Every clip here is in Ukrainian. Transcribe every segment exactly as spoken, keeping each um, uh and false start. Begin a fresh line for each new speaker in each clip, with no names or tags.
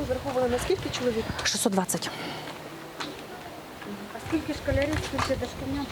розраховували на скільки чоловік?
шістсот двадцять.
А скільки школярів, скільки дошкільнят?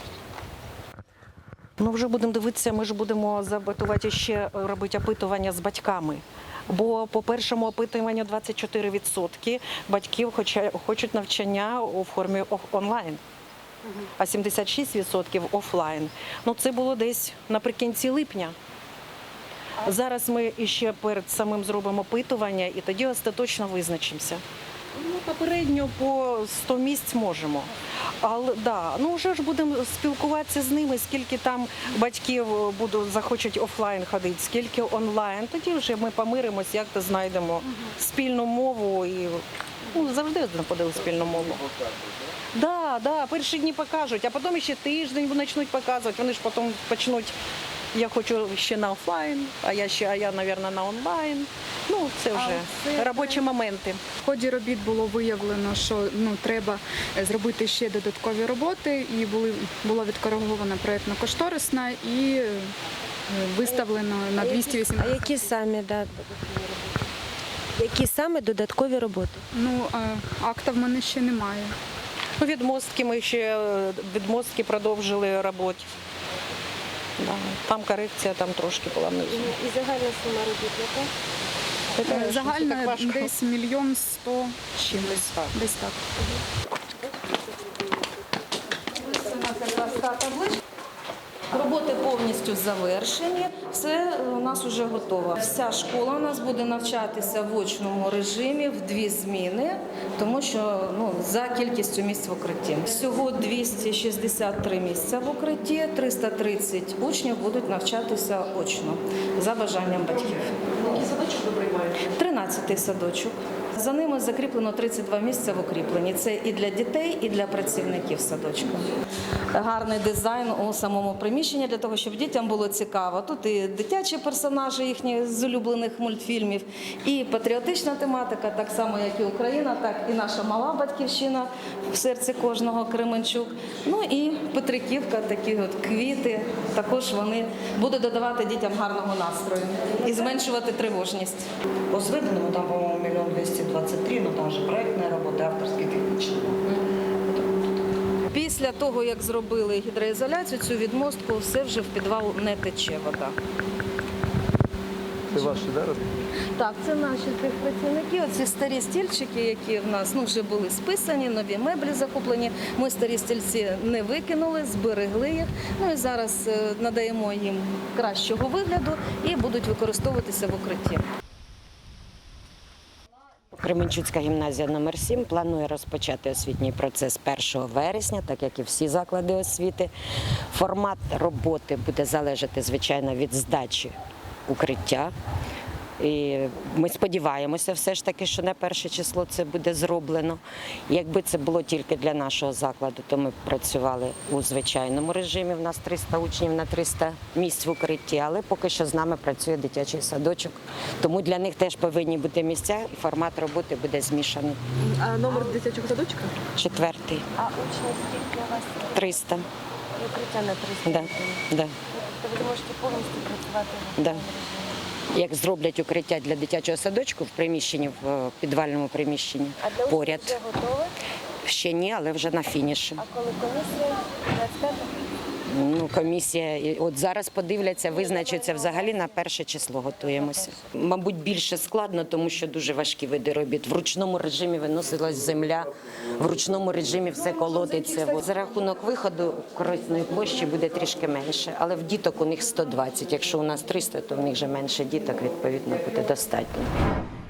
Ну, вже будемо дивитися, ми ж будемо забатувати ще робити опитування з батьками. Бо по першому опитуванню двадцять чотири відсотки батьків хочуть навчання у формі онлайн, а сімдесят шість відсотків офлайн. Ну, це було десь наприкінці липня. Зараз ми ще перед самим зробимо опитування і тоді остаточно визначимося. Ну, попередньо по сто місць можемо. Але да, ну вже ж будемо спілкуватися з ними, скільки там батьків будуть, захочуть офлайн ходити, скільки онлайн. Тоді вже ми помиримось, як то знайдемо спільну мову і ну, завжди знаходили спільну мову. Да, да, перші дні покажуть, а потім ще тиждень почнуть показувати. Вони ж потім почнуть. Я хочу ще на офлайн, а я ще, а я, мабуть, на онлайн. Ну, це вже це... робочі моменти.
В ході робіт було виявлено, що ну, треба зробити ще додаткові роботи, і були, було відкориговано проєктно-кошторисна і виставлено на двісті вісімдесят.
А які самі, да, які саме додаткові роботи?
Ну, акта в мене ще немає.
Відмостки ми ще, відмостки продовжили роботи. Да, там корекція, там трошки була внизу.
І загальна сума робіт яка?
Загальна десь мільйон сто чимось. Десь так.
Роботи повністю завершені, все у нас вже готово. Вся школа у нас буде навчатися в очному режимі в дві зміни, тому що ну, за кількістю місць в укритті. Всього двісті шістдесят три місця в укритті, триста тридцять учнів будуть навчатися очно, за бажанням батьків.
Який садочок ви приймаєте?
тринадцятий садочок. За ними закріплено тридцять два місця в укріпленні. Це і для дітей, і для працівників садочка. Гарний дизайн у самому приміщенні для того, щоб дітям було цікаво. Тут і дитячі персонажі їхні з улюблених мультфільмів, і патріотична тематика, так само як і Україна, так і наша мала батьківщина в серці кожного Кременчук. Ну і Петриківка, такі от квіти, також вони будуть додавати дітям гарного настрою і зменшувати тривожність.
По зведеному там, по-моему, миллион двести двадцать три, но там же проектная работа, авторские, технічні.
Після того, як зробили гідроізоляцію, цю відмостку, все вже в підвал не тече вода.
Це ваші, да, робити?
Так, це наші працівники. Оці старі стільчики, які в нас ну, вже були списані, нові меблі закуплені. Ми старі стільці не викинули, зберегли їх. Ну і зараз надаємо їм кращого вигляду і будуть використовуватися в укритті.
Кременчуцька гімназія номер сім планує розпочати освітній процес першого вересня, так як і всі заклади освіти. Формат роботи буде залежати, звичайно, від здачі укриття. І ми сподіваємося все ж таки, що на перше число це буде зроблено. Якби це було тільки для нашого закладу, то ми б працювали у звичайному режимі. У нас триста учнів на триста місць в укритті, але поки що з нами працює дитячий садочок. Тому для них теж повинні бути місця і формат роботи буде змішаний.
А номер дитячого садочка?
Четвертий.
А учнів скільки у вас?
триста.
І укриття на триста?
Да, да.
Тобто ви можете повністю працювати в
Да.
режимі?
Як зроблять укриття для дитячого садочку в приміщенні, в підвальному приміщенні
А для
поряд.
учнів вже готове?
Ще ні, але вже на фініші.
А коли комісія? двадцять п'ятого?
Ну, комісія, і от зараз подивляться, визначаться взагалі на перше число готуємося. Мабуть, більше складно, тому що дуже важкі види робіт. В ручному режимі виносилась земля, в ручному режимі все колотиться. За рахунок виходу корисної площі буде трішки менше, але в діток у них сто двадцять. Якщо у нас триста, то в них вже менше діток, відповідно, буде достатньо.